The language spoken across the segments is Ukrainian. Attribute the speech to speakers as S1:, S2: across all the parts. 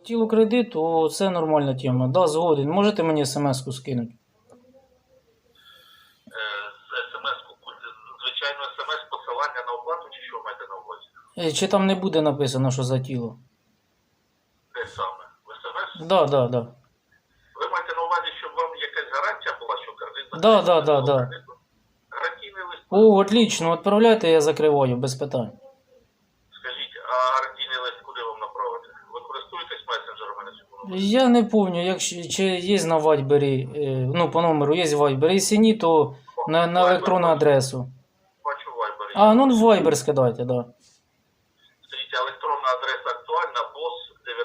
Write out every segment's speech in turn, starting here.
S1: тіло кредиту, це нормальна тема. Да, згоден. Можете мені смс-ку скинути?
S2: СМС-ку, звичайно, СМС-посилання на оплату, чи що маєте на увазі?
S1: Чи там не буде написано, що за тіло?
S2: Де саме? В СМС?
S1: Да.
S2: Ви маєте на увазі, щоб вам якась гарантія була, що кредит
S1: Да.
S2: Гарантійний лист.
S1: О, отлично, відправляйте, я закриваю, без питань.
S2: Скажіть, а гарантійний лист куди вам направити? Ви користуєтесь месенджерами на цьому номері?
S1: Я не пам'ятаю, чи є на Вайбері, ну, по номеру є Вайбер. Якщо ні, то на електронну адресу.
S2: Бачу Viber.
S1: А, ну в Вайбер скидайте, да.
S2: Скажіть, електронна адреса актуальна, бос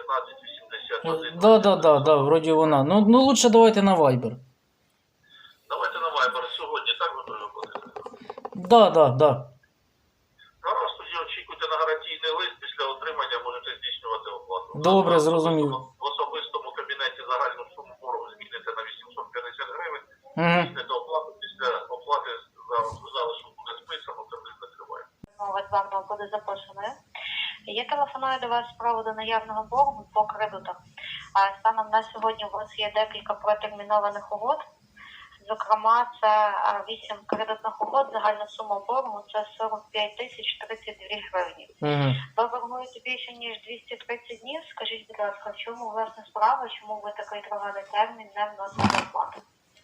S2: 1981.
S1: Да, вроді вона. Ну лучше давайте на Вайбер.
S2: Давайте на Viber сьогодні, так ви переходите?
S1: Да.
S2: Гаразд, тоді очікуйте на гарантійний лист, після отримання можете здійснювати оплату.
S1: Добре, зрозумів.
S2: В особистому кабінеті загальну суму боргу зміните на 850 гривень.
S1: Угу.
S2: Здійсните оплату, після оплати залишок буде списано, кредит закриває.
S3: Мова з вами буде запрошеною. Я телефоную до вас з приводу наявного боргу по кредитах. А станом на сьогодні у вас є декілька протермінованих угод. Зокрема, це 8 кредитних угод, загальна сума боргу – це 45 тисяч 32 гривні.
S1: Угу.
S3: Ви боргуєте більше, ніж 230 днів. Скажіть, будь ласка, в чому власне справа, чому ви такий тривалий термін не вносите оплату?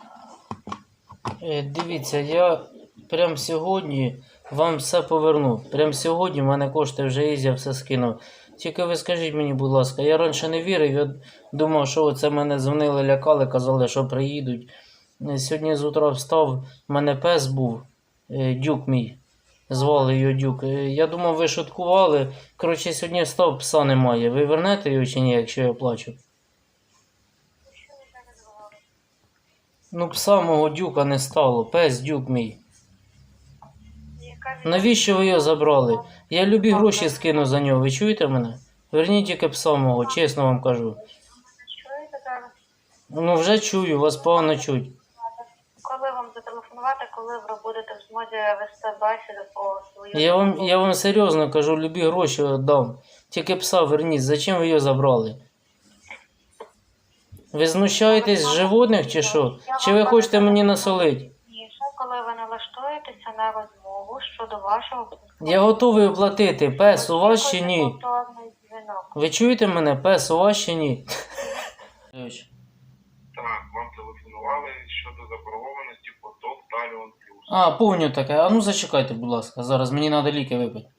S1: Дивіться, я прямо сьогодні вам все поверну. Прямо сьогодні в мене кошти вже є, я все скинув. Тільки ви скажіть мені, будь ласка, я раніше не вірив, я думав, що це мене дзвонили, лякали, казали, що приїдуть. Сьогодні з утра встав, в мене пес був, Дюк мій, звали його Дюк. Я думав, ви шуткували. Коротше, сьогодні встав, пса немає. Ви вернете його чи ні, якщо я плачу? Ну, пса мого Дюка не стало, пес Дюк мій. Навіщо ви його забрали? Я любі гроші скину за нього, ви чуєте мене? Верніть тільки пса мого, чесно вам кажу.
S3: Чуєте зараз?
S1: Ну вже чую, вас погано чуть.
S3: Коли вам зателефонувати, коли ви будете в змозі вести бесіду по свою...
S1: Я вам серйозно кажу, любі гроші віддам. Тільки пса верніть, зачем ви його забрали? Ви знущаєтесь з животних чи що? Чи ви хочете мені насолити?
S3: Ні, коли ви налаштуєтеся на розмову щодо вашого...
S1: Я готовий оплатити. Пес у вас чи ні?
S3: Повторний дзвінок.
S1: Ви чуєте мене? Пес у вас чи ні?
S2: Так, вам телефонували щодо заборгованості по ТОВ Таліон Плюс.
S1: А, помню таке. А ну зачекайте, будь ласка. Зараз мені треба ліки випити.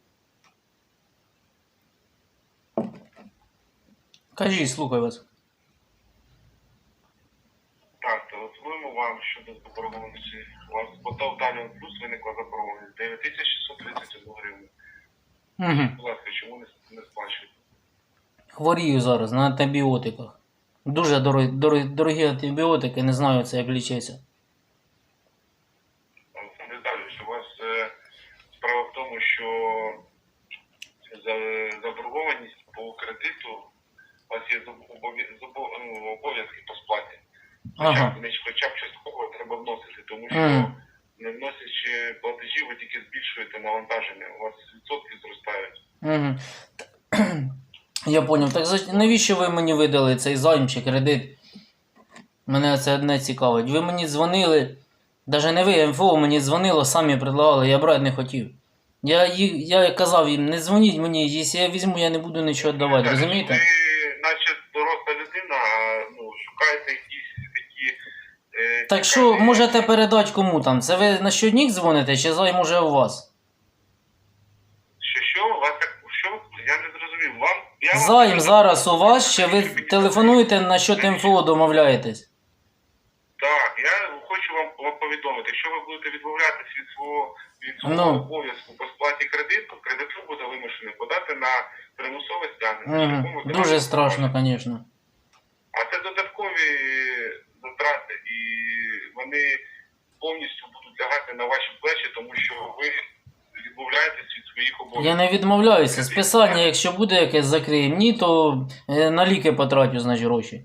S1: Кажіть, слухай вас.
S2: Так, телефонуємо вам щодо заборгованості. У вас по ТОВ Таліон Плюс виникла заборгованість 9631 гривень.
S1: Угу.
S2: Будь ласка, чому не сплачуєте?
S1: Хворію зараз на антибіотиках. Дуже дорогі антибіотики, не знаю це як лічиться.
S2: Олександр Віталійович, у вас справа в тому, що заборгованість по кредиту, у вас є обов'язки по сплаті.
S1: Ага.
S2: Хоча б частково треба вносити, тому що не вносячи платежі, ви тільки збільшуєте навантаження, у вас відсотки зростають.
S1: Я поняв. Так навіщо ви мені видали цей займ чи кредит? Мене це одне цікавить. Ви мені дзвонили, навіть не ви, МФО мені дзвонило, самі предлагали, я брати не хотів. Я казав їм, не дзвоніть мені, якщо я візьму, я не буду нічого віддавати, розумієте?
S2: Ви, наче доросла людина, шукаєте якісь такі...
S1: Так що можете передати кому там? Це ви на щоднік дзвоните, чи займ уже у вас?
S2: Що? У вас так... Що? Я не зрозумів.
S1: Займ зараз у вас, чи ви телефонуєте на що МФО домовляєтесь?
S2: Так, я хочу вам повідомити, якщо ви будете відмовлятися від свого обов'язку по сплаті кредиту, кредитор буде вимушений подати на примусове стягнення.
S1: Дуже страшно, звісно.
S2: А це додаткові затрати, і вони повністю будуть лягати на ваші плечі, тому що ви відмовляєтесь від своїх обов'язків.
S1: Я не відмовляюся. Списання, якщо буде якесь закриємо, ні, то на ліки потратю, значить, гроші.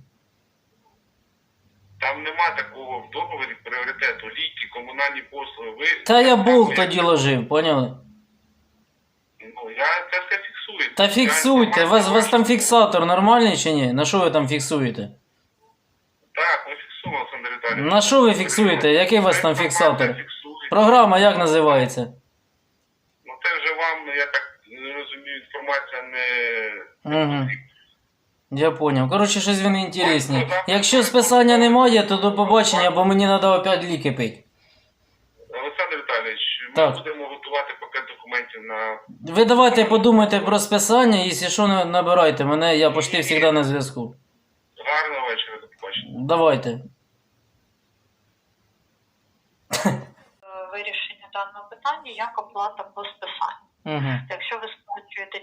S2: Там нема такого в договорі пріоритету. Ліки, комунальні послуги.
S1: Та я Бог тоді ложив, поняли?
S2: Ну, я це все фіксую.
S1: Та фіксуйте, вас там фіксатор нормальний чи ні? На що ви там фіксуєте?
S2: Так, ми фіксуємо, Олександр Віталійович.
S1: На що ви фіксуєте? Який у вас там фіксатор? Програма як називається?
S2: Ну це вже вам, я так розумію, інформація не...
S1: Угу. Я поняв. Коротше, щось він інтересні. Якщо списання немає, то до побачення, бо мені треба опять ліки пити.
S2: Олександр Віталійович, ми
S1: Так.
S2: будемо готувати пакет документів на...
S1: Ви давайте подумайте про списання, якщо що, набирайте мене, я почти завжди на зв'язку.
S2: Гарного вечора, до побачення.
S1: Давайте.
S3: Вирішення даного питання як оплата по списанню.
S1: Угу.
S3: Якщо ви сплачуєте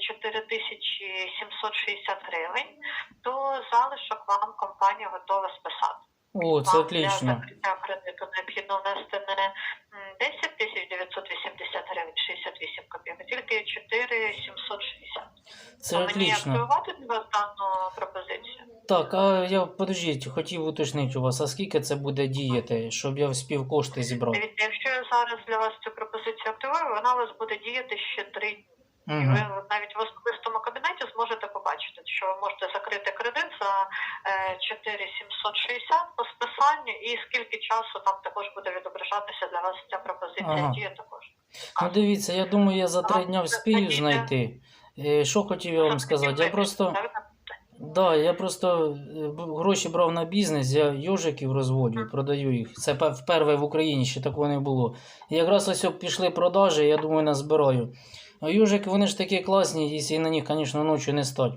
S3: 4760 гривень, то залишок вам компанія готова списати.
S1: О, це
S3: Вам
S1: отлично.
S3: для закриття кредиту необхідно внести не 10 980 гривень 68 копійок, а тільки 4760.
S1: Це
S3: Мені
S1: отлично.
S3: активувати для вас дану пропозицію?
S1: Так, а я, подождіть, хотів уточнити у вас, а скільки це буде діяти, щоб я вспів кошти зібрати?
S3: Дивіться, якщо я зараз для вас цю пропозицію активую, вона у вас буде діяти ще 3 дні. І
S1: Угу.
S3: ви навіть в особистому кабінеті зможете побачити, що ви можете закрити кредит за 4760 по списанню, і скільки часу там також буде відображатися для вас ця пропозиція
S1: Ага.
S3: діє також.
S1: Ну дивіться, я думаю, я за 3 дня вспію знайти. Що хотів я вам сказати? Я просто гроші брав на бізнес, я йожиків розводжу, продаю їх. Це вперше в Україні, ще такого не було. І якраз ось пішли продажі, я думаю, назбираю. А йожики, вони ж такі класні, якщо на них, звісно, ночі не стать.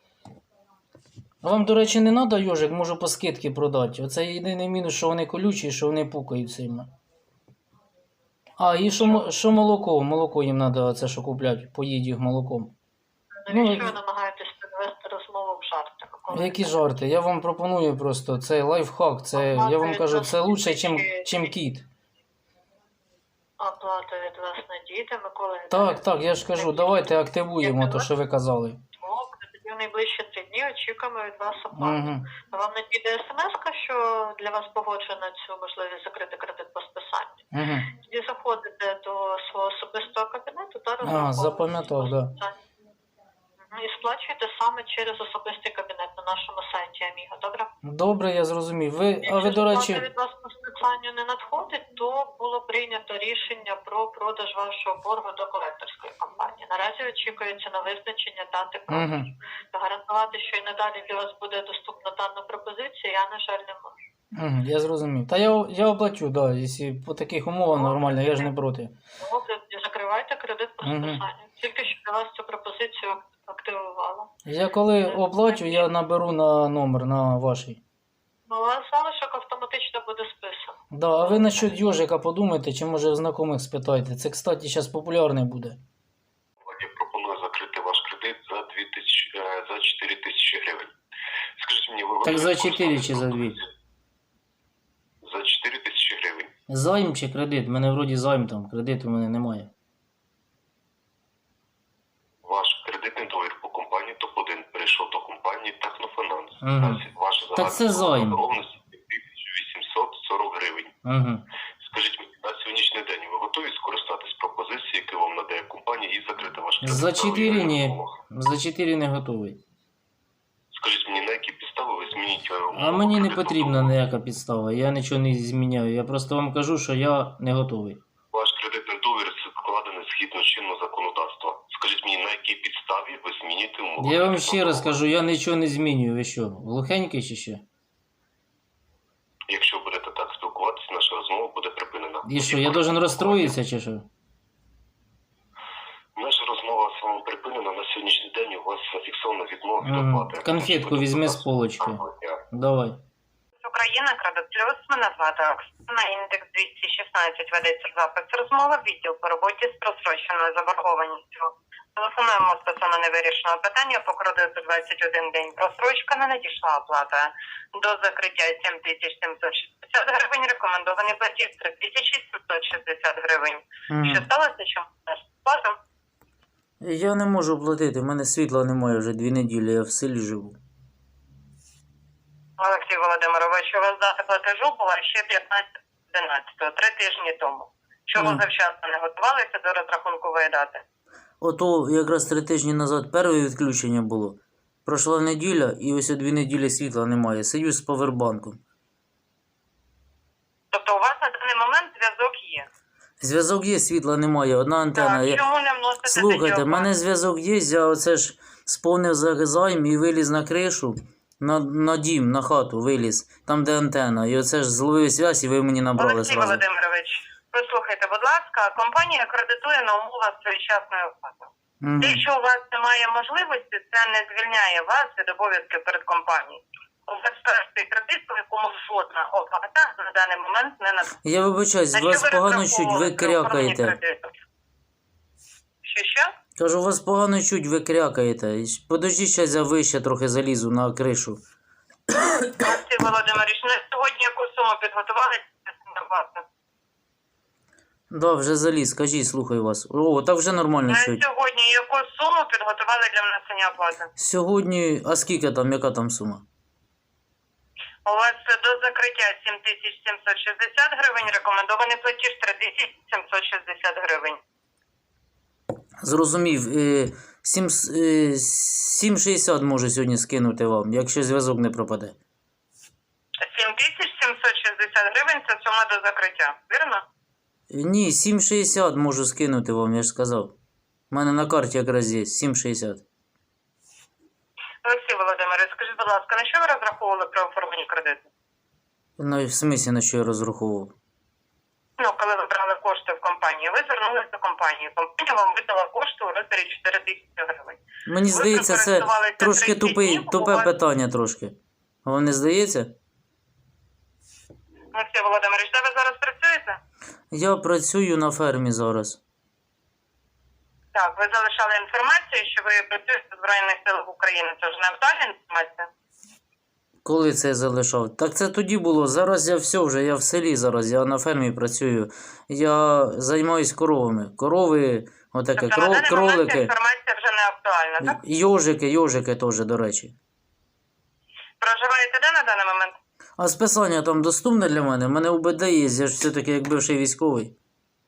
S1: А вам, до речі, не треба йожик, можу по скидці продати. Оце єдиний мінус, що вони колючі, що вони пукають сильно. А, і що молоко? Молоко їм треба, це що куплять, поїдь їх молоком.
S3: Навіщо ви намагаєтесь підвести розмову в жарти?
S1: Які жарти? Я вам пропоную просто, це лайфхак, це, я вам кажу, це лучше, чим кіт.
S3: Оплата від вас надійде, Микола.
S1: Так, я ж кажу, давайте активуємо те, що ви казали.
S3: Добре, тоді в найближчі 3 дні очікуємо від вас оплату.
S1: Угу.
S3: Вам надійде смс-ка, що для вас погоджено цю можливість закрити кредит по списанню.
S1: Угу.
S3: Тоді заходите до свого особистого кабінету та розраховуєте
S1: запам'ятав,
S3: по
S1: да.
S3: списанню. І сплачуєте саме через особистий кабінет на нашому сайті Аміго, добре?
S1: Добре, я зрозумів. А ви,
S3: Якщо
S1: до речі,
S3: сплата від вас по списанню не надходить, то було прийнято рішення про продаж вашого боргу до колекторської компанії. Наразі очікується на визначення дати продажу.
S1: Угу.
S3: Гарантувати, що і надалі для вас буде доступна дана пропозиція, я, на жаль, не можу.
S1: Угу, я зрозумів. Та я оплачу, да, якщо по таких умовах нормально, я ж не проти.
S3: Добре, закривайте кредит по
S1: Мгм.
S3: списанню. Тільки що для вас цю пропозицію активувала.
S1: Я коли оплачу, я наберу на номер, на вашій.
S3: Ну, у вас залишок автоматично буде списано.
S1: Да, а ви насчет йожика подумайте, чи може в знайомих спитайте. Це, кстати, зараз популярне буде.
S4: Я пропоную закрити ваш кредит за 4 тисячі гривень. Скажіть мені, ви
S1: Так за
S4: готові
S1: 4 чи за 2?
S4: За 4 тисячі гривень.
S1: Займ чи кредит? У мене вроді займ там, кредиту в мене немає.
S4: Ваш кредитний договір по компанії ТОП-1 перейшов до компанії Технофінанс.
S1: Мгм.
S4: Ваша
S1: Так це займ.
S4: заборгованість 1840 гривень.
S1: Угу.
S4: Скажіть мені, на сьогоднішній день ви готові скористатись пропозицією, яку вам надає компанія, і закрити ваш кредит?
S1: За 4 ні. За 4 не готовий.
S4: Скажіть мені, на які підстави ви змінюєте
S1: А мені не потрібна ніяка підстава, я нічого не зміняю. Я просто вам кажу, що я не готовий.
S4: Ваш кредитний договір складений згідно чинного законодавства. Скажіть мені, на якій підставі ви змінюєте умови?
S1: Я вам ще раз кажу, я нічого не змінюю. Ви що, глухенький чи що?
S4: Якщо будете так спілкуватися, наша розмова буде припинена.
S1: І що, я должен розстроїтися чи що?
S4: Наша розмова з вами припинена. На сьогоднішній день у вас зафіксовано відмова від
S1: Мгм.
S4: оплати.
S1: Конфетку візьми з полочки. Давай.
S5: Україна, Кредит Плюс, мене звати Оксана, індекс 216, ведеться запис розмови, відділ по роботі з просроченою заборгованістю. Телефонуємо стосовно невирішеного питання по кредиту 21 день. Просрочка не надійшла оплата. До закриття 7760 гривень, рекомендований платіж 3760 гривень. Що сталося, чому не сплату?
S1: Я не можу платити, в мене світла немає вже 2 неділі, я в селі живу.
S5: Олексій Володимирович, у вас дата платежу була ще 15-11, 3 тижні тому. Чому
S1: Мгм.
S5: завчасно не готувалися до розрахункової дати?
S1: ото якраз 3 тижні назад перше відключення було. Пройшла неділя і ось 2 неділі світла немає. Сидю з павербанком.
S5: Тобто у вас на даний момент зв'язок є?
S1: Зв'язок є, світла немає, одна антенна.
S5: Так, чому не вносите
S1: Слухайте, в
S5: тоді
S1: мене
S5: оплату?
S1: зв'язок є, я оце ж сповнив займ і виліз на кришу, на дім, на хату виліз, там де антенна. І оце ж зловив зв'язь і ви мені набрали
S5: Олексій
S1: зразу.
S5: Володимирович, послухайте, будь ласка, компанія кредитує на умовах своєчасної оплати.
S1: Угу.
S5: Якщо у вас немає можливості, це не звільняє вас від обов'язків перед компанією. У вас перший кредит, по якому жодна оплата на даний момент не надана.
S1: Я вибачаюсь, вас погано чуть, ви крякаєте.
S5: Що?
S1: Кажу, вас погано чуть, ви крякаєте. Подождіть, зараз я вище трохи залізу на кришу.
S5: Олексій Володимирович, на сьогодні яку суму підготували на оплату?
S1: Да, вже заліз, кажіть, слухаю вас. О, так вже нормально
S5: На
S1: чуть.
S5: сьогодні яку суму підготували для внесення оплати?
S1: Сьогодні, а скільки там, яка там сума?
S5: У вас до закриття 7760 гривень, рекомендований платіж 3760 гривень.
S1: Зрозумів, 7,60 можу сьогодні скинути вам, якщо зв'язок не пропаде.
S5: 7760 гривень – це сума до закриття, вірно?
S1: Ні, 7,60 можу скинути вам, я ж сказав. У мене на карті якраз є 7,60.
S5: Олексій Володимирович, скажіть, будь ласка, на що ви розраховували при оформленні кредиту?
S1: Ну, в смислі, на що я розраховував?
S5: Ну, коли ви брали кошти в компанії, ви звернулися до компанії. Компанія вам видала кошти у розмірі 4 тисячі гривень.
S1: Мені здається, це
S5: використовувалися
S1: трошки
S5: 30 днів,
S1: тупе
S5: купували-
S1: питання трошки. Вам не здається?
S5: Олексій Володимирович, де ви зараз працюєте?
S1: Я працюю на фермі зараз.
S5: Так, ви залишали інформацію, що ви працюєте в Збройних силах України. Це ж не актуальна інформація?
S1: Коли це я залишав? Так це тоді було. Зараз я все вже, я в селі зараз, я на фермі працюю. Я займаюсь коровами. Корови, отаке,
S5: Тобто на даний момент
S1: кролики,
S5: інформація вже не актуальна, так?
S1: йожики теж, до речі.
S5: Проживаєте де на даний момент?
S1: А списання там доступне для мене? У мене УБД є, я ж все-таки як бивший військовий.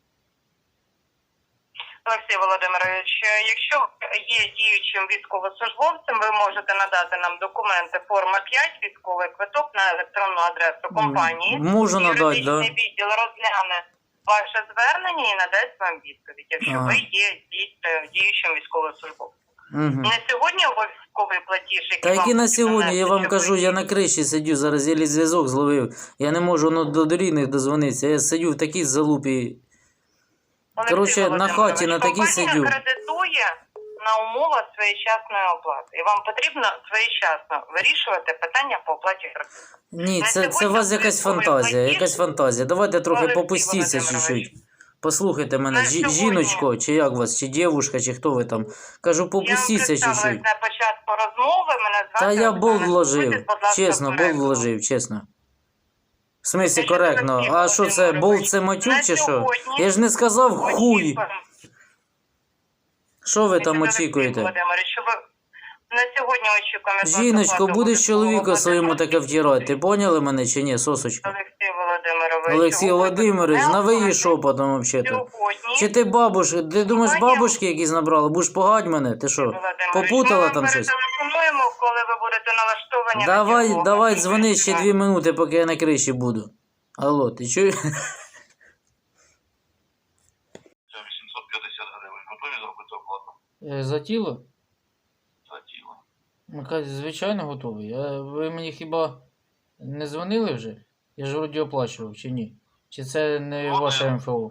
S5: Олексій Володимирович, якщо є діючим військовослужбовцем, ви можете надати нам документи форма 5, військовий квиток на електронну адресу компанії.
S1: Можу надати,
S5: Юридичний
S1: да.
S5: відділ розгляне ваше звернення і надасть вам відповідь, якщо
S1: Ага.
S5: ви є діючим військовослужбовцем.
S1: Угу.
S5: На сьогодні обов'язковий платіж, який
S1: Та який
S5: вам
S1: на
S5: потрібно
S1: сьогодні, я
S5: внести,
S1: вам
S5: щоб
S1: кажу,
S5: ви-
S1: я на криші сидю, зараз єлі зв'язок зловив. Я не можу до рідних дозвонитися. Я сидю в такій залупі.
S5: Олексій
S1: Коротше, на
S5: Володимирович,
S1: хаті на такій
S5: компанія
S1: сидю.
S5: кредитує на умовах своєчасної оплати. І вам потрібно своєчасно вирішувати питання по оплаті кредиту.
S1: Ні,
S5: На
S1: це у
S5: сьогодні
S1: вас якась
S5: обов'язковий
S1: фантазія,
S5: платіж.
S1: якась фантазія. Давайте трохи
S5: Олексій
S1: попустіться
S5: Володимирович.
S1: чуть-чуть. Послухайте мене,
S5: На сьогодні-
S1: жіночко, чи як вас, чи дівушка, чи хто ви там. Кажу, попустіться
S5: Я вам
S1: чуть-чуть.
S5: представилась на початку розмови, мене звати
S1: Та я
S5: Оксана.
S1: болт вложив,
S5: Будьте, будь ласка,
S1: чесно, болт
S5: коректно.
S1: вложив, чесно. В смислі,
S5: Це що
S1: коректно.
S5: Олексій
S1: А що це,
S5: Володимирович?
S1: болт це матюк
S5: На
S1: чи що?
S5: сьогодні
S1: Я ж не сказав хуй.
S5: Очікуємо.
S1: Що ви там
S5: Олексій
S1: очікуєте?
S5: Володимирович, що ви на сьогодні очікуємо. від вас
S1: Жіночко,
S5: оплату
S1: будеш чоловіку
S5: обов'язкового
S1: своєму
S5: платежу.
S1: таке втирати. Ти поняли мене чи ні, сосочка?
S5: Олексій Володимирович.
S1: Олексій
S5: чого ви
S1: Володимирович,
S5: не
S1: на ви її
S5: оплатите
S1: шопотом взагалі.
S5: Сьогодні.
S1: Чи ти бабушка, ти думаєш
S5: Компанія-
S1: бабушки якісь набрала? Будеш погать мене? Ти що,
S5: Володимирович,
S1: попутала
S5: ми
S1: там
S5: вам
S1: щось?
S5: перетелефонуємо, коли ви будете налаштовані. на
S1: Давай,
S5: діалог.
S1: давай, дзвони ще 2 минути, поки я на криші буду. Алло, ти чуєш?
S4: 850 гривень. Готові зробити оплату
S1: За тіло?
S4: за тіло?
S1: Звичайно, готовий. Ви мені хіба не дзвонили вже? Я ж вроді оплачував, чи ні? Чи це не
S4: Дзвонив.
S1: ваше МФО?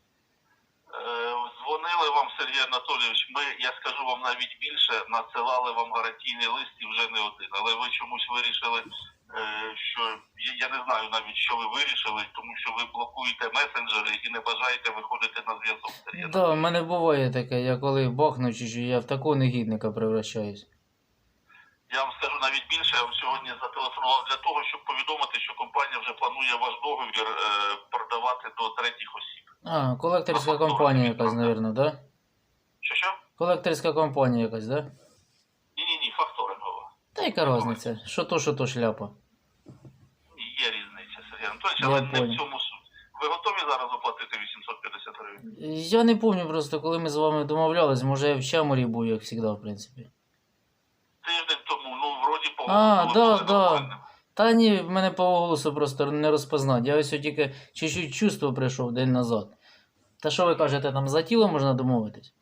S4: Дзвонили вам, Сергій Анатолійович, ми, я скажу вам навіть більше, надсилали вам гарантійний лист і вже не один. Але ви чомусь вирішили, що, я не знаю навіть, що ви вирішили, тому що ви блокуєте месенджери і не бажаєте виходити на зв'язок. Сергій
S1: Так, в мене буває таке, я коли бахну чи що, я в такого негідника превращаюсь.
S4: Я вам скажу навіть більше, я вам сьогодні зателефонував для того, щоб повідомити, що компанія вже планує ваш договір продавати до третіх осіб.
S1: А, колекторська компанія якась, мабуть, да?
S4: Що?
S1: Колекторська компанія якась, да?
S4: Ні, факторингова.
S1: Та яка різниця? Що то шляпа.
S4: Є різниця, Сергій Анатолійович,
S1: Я
S4: але не
S1: понял.
S4: в цьому суть. Ви готові зараз оплатити 850 гривень?
S1: Я не пам'ятаю просто, коли ми з вами домовлялись, може я в Чаморі був, як завжди, в принципі.
S4: Тиждень тому, ну, вроді по
S1: А,
S4: голосу
S1: да,
S4: були
S1: да.
S4: нормальним.
S1: Та ні, в мене по голосу просто не розпознати. Я ось тільки чуть-чуть чувство прийшов день назад. Та що ви кажете, там за тіло можна домовитись?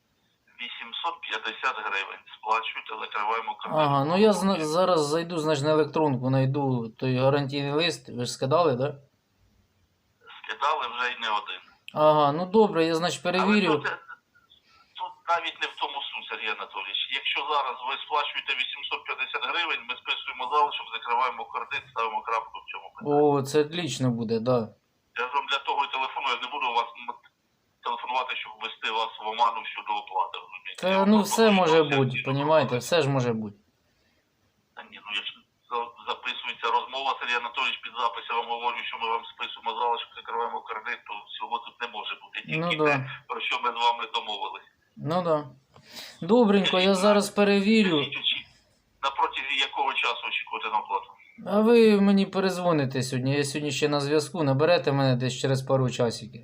S4: 850 гривень. Сплачуйте, закриваємо кредит.
S1: Ага, ну я зараз зайду, значить, на електронку, знайду той гарантійний лист. Ви ж скидали, так? Да?
S4: Скидали вже й не один.
S1: Ага, ну добре, я, значить, перевірю.
S4: Але тут навіть не в тому суть, Сергій Анатолійович. Якщо зараз ви сплачуєте 850 гривень, ми списуємо залишок, закриваємо кредит, ставимо крапку в цьому питанні.
S1: О, це отлично буде, да.
S4: Я ж вам для того і телефоную, я не буду вас телефонувати, щоб ввести вас в оману щодо оплати. розумієте? Я
S1: Та
S4: вам
S1: ну
S4: пропоную,
S1: все може
S4: що
S1: бути,
S4: всі
S1: понімаєте, все ж може бути.
S4: Та ні, ну якщо записується розмова, Сергій Анатолійович під запис, я вам говорю, що ми вам списуємо залишок, закриваємо кредит, то всього тут не може бути. Тільки
S1: Ну
S4: те,
S1: да.
S4: про що ми з вами домовились.
S1: Ну да. Добренько, я зараз перевірю.
S4: На протязі якого часу очікувати на оплату?
S1: А ви мені перезвоните сьогодні. Я сьогодні ще на зв'язку. Наберете мене десь через пару часиків.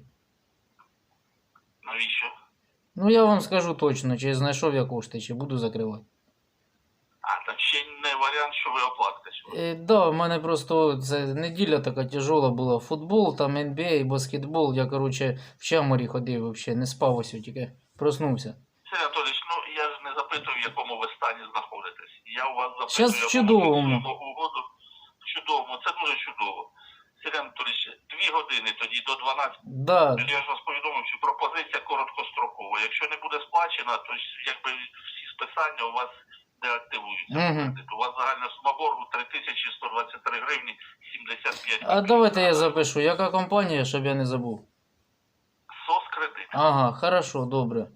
S4: Навіщо?
S1: Ну я вам скажу точно, чи знайшов я кошти, чи буду закривати.
S4: А, так ще не варіант, що ви оплатите сьогодні.
S1: Да, в мене просто це неділя така тяжола була. Футбол, там NBA, баскетбол. Я, короче, в Чаморі ходив взагалі, не спав ось тільки. Проснувся.
S4: Сергій Анатолійович, ну я ж не запитую, в якому ви стані знаходитесь. Я у вас запитую,
S1: Щас в чудовому.
S4: угоду. В чудовому, це дуже чудово. Сергій Анатолійович, 2 години тоді до 12.
S1: Да.
S4: Я ж вас повідомив, що пропозиція короткострокова. Якщо не буде сплачена, то якби всі списання у вас деактивуються.
S1: Мгм.
S4: У вас загальна сума боргу 3123 гривні 75
S1: А давайте я запишу. Яка компанія, щоб я не забув?
S4: СОС кредит.
S1: Ага, хорошо, добре.